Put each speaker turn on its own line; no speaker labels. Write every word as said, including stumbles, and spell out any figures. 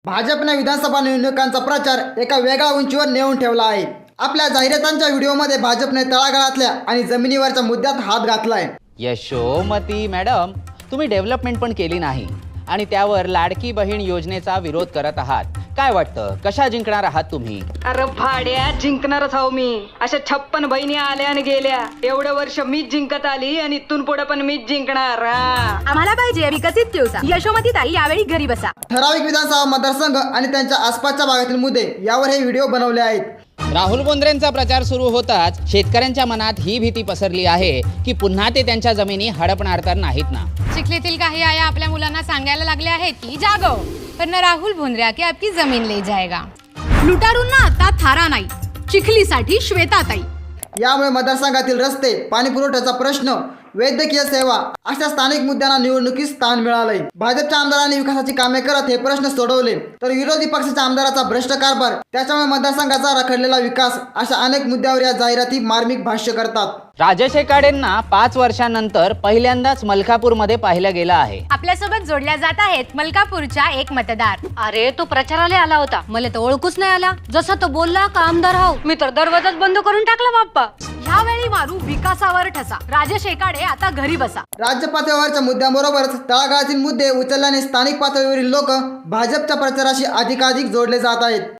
भाजपने विधानसभा निवडणुकांचा प्रचार एका वेगळ्या उंचीवर नेऊन ठेवला आहे। आपल्या जाहिरातांच्या व्हिडिओमध्ये भाजपने तळागाळातल्या आणि जमिनीवरच्या मुद्द्यात हात घातलाय।
यशोमती मॅडम, तुम्ही डेव्हलपमेंट पण केली नाही आणि त्यावर लाडकी बहीण योजनेचा विरोध करत आहात। काय वाटतं, कशा जिंकणार आहात तुम्ही?
अरे भाड्या, जिंकणारच आहो मी। अशा छप्पन बहिणी आल्या आणि गेल्या, एवढं वर्ष मीच जिंकत आली आणि इथून पुढे पण मीच जिंकणार।
आम्हाला पाहिजे विकसित दिवसा। यशोमती ताई यावेळी घरी बसा।
ठराविक विधानसभा मतदारसंघ आणि त्यांच्या आसपासच्या भागातील मुद्दे यावर हे व्हिडिओ बनवले आहेत।
राहुल बोंद्रेंचा प्रचार सुरू होताच शेतकऱ्यांच्या मनात ही भीती पसरली आहे की पुन्हा ते त्यांच्या जमिनी हडपणार तर नाहीत ना।
चिखलीतील काही आया आपल्या मुलांना सांगायला लागल्या आहेत की जागो, वरना राहुल भोंद्र्या की आपकी जमीन ले जाएगा।
लुटारूंना आता थारा नाही, चिखलीसाठी श्वेताताई।
यामुळे मतदारसंघातील रस्ते, पाणी पुरवठ्याचा प्रश्न, वैद्यकीय सेवा अशा स्थानिक मुद्द्यांना निवडणुकीत स्थान मिळालंय। भाजपच्या आमदारांनी विकासाची कामे करत हे प्रश्न सोडवले, तर विरोधी पक्षाच्या आमदाराचा भ्रष्ट कारभार, त्याच्यामुळे मतदारसंघाचा रखडलेला विकास अशा अनेक मुद्द्यावर या जाहिराती मार्मिक भाष्य करतात।
राजेश एकाडेंना पाच वर्षांनंतर पहिल्यांदाच मलकापूरमध्ये पाहिलं गेलं आहे।
आपल्यासोबत जोडल्या जात आहेत मलकापूरच्या एक मतदार।
अरे तो प्रचाराला आला होता, मला तर ओळखूच नाही आला। जसा तो बोलला का आमदार हाव, मी तर दरवाजाच बंद करून टाकला बाप्पा। ह्यावेळी मारू विकासावर ठसा। राजेश एकाडे आता घरी बसा।
राज्य पातळीवरच्या मुद्द्यांबरोबरच तळागाळातील मुद्दे उचलल्याने स्थानिक पातळीवरील लोक भाजपच्या प्रचाराशी अधिकाधिक जोडले जात आहेत।